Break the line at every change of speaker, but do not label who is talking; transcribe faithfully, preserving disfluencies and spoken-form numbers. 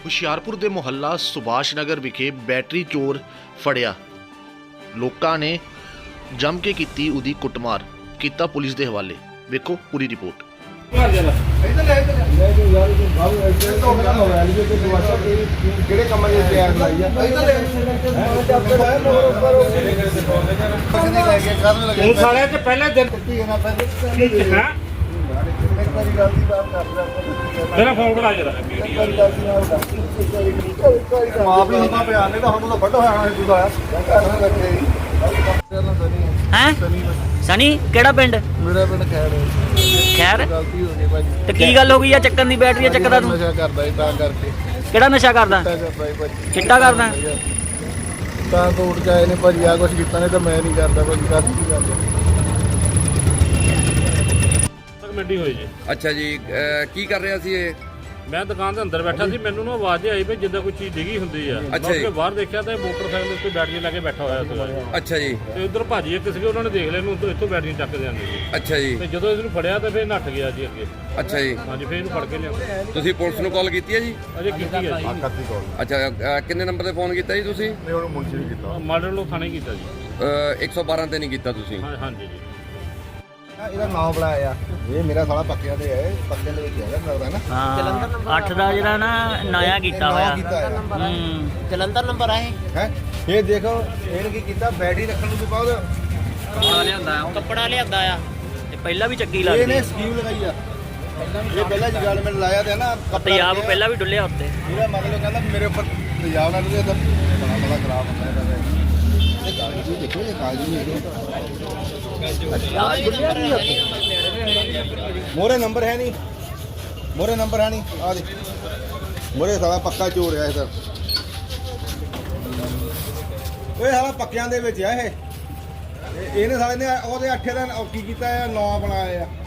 ਹੁਸ਼ਿਆਰਪੁਰ ਦੇ ਮੁਹੱਲਾ ਸੁਭਾਸ਼ ਨਗਰ ਵਿਖੇ ਬੈਟਰੀ ਚੋਰ ਫੜਿਆ। ਲੋਕਾਂ ਨੇ ਜੰਮ ਕੇ ਕੀਤੀ ਉਹਦੀ ਕੁੱਟਮਾਰ, ਕੀਤਾ ਪੁਲਿਸ ਦੇ ਹਵਾਲੇ। ਵੇਖੋ ਪੂਰੀ ਰਿਪੋਰਟ।
ਕਿਹੜੇ ਕੰਮਾਂ ਦੀ ਤਿਆਰ ਲਾਈ ਆ
ਉਹ ਸਾਲੇ ਤੇ ਪਹਿਲੇ ਦਿਨ ਹਾਂ ਮੇਰਾ ਫੋਨ ਬਣਾ ਜਰਾ
ਮਾਂ ਵੀ ਹੁੰਦਾ ਪਿਆ ਨਹੀਂ ਤਾਂ ਹੁਣ ਤਾਂ ਵੱਡਾ ਹੋਇਆ ਸੀ ਦੂਜਾ
ਹੈ ਸਨੀ ਕਿਹੜਾ ਪਿੰਡ?
ਮੇਰਾ ਪਿੰਡ ਖੈੜ
ਖੈਰ
ਗਲਤੀ ਹੋ ਗਈ ਭਾਜੀ।
ਤੇ ਕੀ ਗੱਲ ਹੋ ਗਈ ਆ ਚੱਕਣ ਦੀ? ਬੈਟਰੀ ਚੱਕਦਾ ਤੂੰ?
ਨਸ਼ਾ ਕਰਦਾ ਸੀ ਤਾਂ ਕਰਕੇ।
ਕਿਹੜਾ ਨਸ਼ਾ ਕਰਦਾ?
ਚਿੱਟਾ ਕਰਦਾ ਸੀ ਭਾਜੀ।
ਚਿੱਟਾ ਕਰਦਾ?
ਤਾਂ ਕੋਰਟ ਚ ਆਏ ਨੇ ਭਾਜੀ, ਆ ਕੁਛ ਕੀਤਾ ਨਹੀਂ ਤਾਂ ਮੈਂ ਨਹੀਂ ਕਰਦਾ ਭਾਜੀ। ਦੱਸ ਕੀ ਕਰਦਾ
ਕਮੇਟੀ ਹੋਈ ਜੀ।
ਅੱਛਾ ਜੀ, ਅਹ ਕੀ ਕਰ ਰਿਹਾ ਸੀ ਇਹ?
ਮੈਂ ਦੁਕਾਨ ਦੇ ਅੰਦਰ ਬੈਠਾ ਸੀ, ਮੈਨੂੰ ਨਾ ਆਵਾਜ਼ ਆਈ ਵੀ ਜਿੱਦਾਂ ਕੋਈ ਚੀਜ਼ ਡਿੱਗੀ ਹੁੰਦੀ ਆ।
ਅੱਛਾ
ਮੈਂ
ਜੀ।
ਬਾਹਰ ਦੇਖਿਆ ਤਾਂ ਮੋਟਰਸਾਈਕਲ ਉੱਤੇ ਬੈਟਰੀ ਲਾ ਕੇ ਬੈਠਾ ਹੋਇਆ ਸੀ।
ਅੱਛਾ ਜੀ।
ਤੇ ਉਧਰ ਭਾਜੀ ਇੱਕ ਸੀਗੇ, ਉਹਨਾਂ ਨੇ ਦੇਖ ਲਿਆ ਇਹਨੂੰ, ਇੱਥੋਂ ਬੈਟਰੀ ਚੱਕ ਜਾਂਦੇ ਸੀ।
ਅੱਛਾ ਜੀ।
ਤੇ ਜਦੋਂ ਇਹਨੂੰ ਫੜਿਆ ਤਾਂ ਫਿਰ ਨੱਠ ਗਿਆ ਜੀ ਅੱਗੇ।
ਅੱਛਾ ਜੀ।
ਹਾਂਜੀ, ਫਿਰ ਇਹਨੂੰ ਫੜ ਕੇ ਲਿਆ।
ਤੁਸੀਂ ਪੁਲਿਸ ਨੂੰ ਕਾਲ ਕੀਤੀ ਹੈ ਜੀ?
ਅਜੇ ਕੀਤੀ ਹੈ ਜੀ।
ਆਕਤੀ ਕੋਲ
ਅੱਛਾ, ਅਹ ਕਿੰਨੇ ਨੰਬਰ ਤੇ ਫੋਨ ਕੀਤਾ ਜੀ ਤੁਸੀਂ?
ਨਹੀਂ ਉਹਨੂੰ ਮੁੰਸ਼ੀ ਵੀ ਕੀਤਾ।
ਮਾਡਲ ਨੂੰ ਥਾਣੇ ਕੀਤਾ ਜੀ।
ਅਹ ਇੱਕ ਸੌ ਬਾਰਾਂ ਤੇ ਨਹੀਂ ਕੀਤਾ ਤੁਸੀਂ?
ਹਾਂ ਹਾਂਜੀ ਜੀ।
ਇਹਦਾ ਨਾਮ ਬਣਾਇਆ ਆ, ਇਹ ਮੇਰਾ ਸਾਲਾ ਪੱਕਿਆਂ ਦੇ ਹੈ, ਪੱਕਿਆਂ ਦੇ ਵਿੱਚ ਹੈਗਾ ਲੱਗਦਾ ਨਾ।
ਹਾਂ ਅੱਠ ਦਾ ਜਿਹੜਾ ਨਾ ਨਇਆ ਕੀਤਾ ਹੋਇਆ। ਹੂੰ
ਜਲੰਧਰ ਨੰਬਰ ਆਏ
ਹੈ ਇਹ ਦੇਖੋ ਇਹਨੇ ਕੀ ਕੀਤਾ, ਬੈਟਰੀ ਰੱਖਣ ਨੂੰ ਤੋਂ ਬਾਅਦ
ਕੱਪੜਾ ਲਿਆਂਦਾ
ਕੱਪੜਾ ਲਿਆਂਦਾ ਆ।
ਤੇ ਪਹਿਲਾਂ ਵੀ ਚੱਕੀ
ਇਹਨੇ
ਲੱਗਦੀ।
ਸਕੀਮ ਲਗਾਈ ਆ। ਇਹ ਪਹਿਲਾਂ ਜਗਾੜ ਮੈਨੂੰ ਲਾਇਆ ਤੇ ਨਾ
ਤੇਜ਼ਾਬ ਪਹਿਲਾਂ ਵੀ ਡੁੱਲਿਆ ਉੱਤੇ।
ਇਹਦਾ ਮਤਲਬ ਕਹਿੰਦਾ ਵੀ ਮੇਰੇ ਉੱਪਰ ਤੇਜ਼ਾਬ ਨਾਲ ਉਹਦੇ ਤਾਂ ਬੜਾ ਬੜਾ ਖਰਾਬ ਹੁੰਦਾ ਇਹਦਾ। ਇਹ ਕਾਗਜ਼ ਵੀ ਦੇਖੋ, ਇਹ ਕਾਗਜ਼ ਵੀ ਮੋਰੇ ਨੰਬਰ ਹੈ ਨਹੀਂ, ਮੋਰੇ ਨੰਬਰ ਹੈ ਨਹੀਂ। ਆ ਦੇ ਮੋਰੇ ਸਾਲਾ ਪੱਕਾ ਚੋਰ ਆ ਇਹ ਤਾਂ। ਇਹ ਸਾਲਾ ਪੱਕਿਆਂ ਦੇ ਵਿੱਚ ਆ ਇਹ। ਇਹ- ਇਹਨੇ ਸਾਲੇ ਨੇ ਉਹਦੇ ਅੱਠੇ ਦਾ ਕੀ ਕੀਤਾ ਆ, ਨੌ ਬਣਾਇਆ ਆ।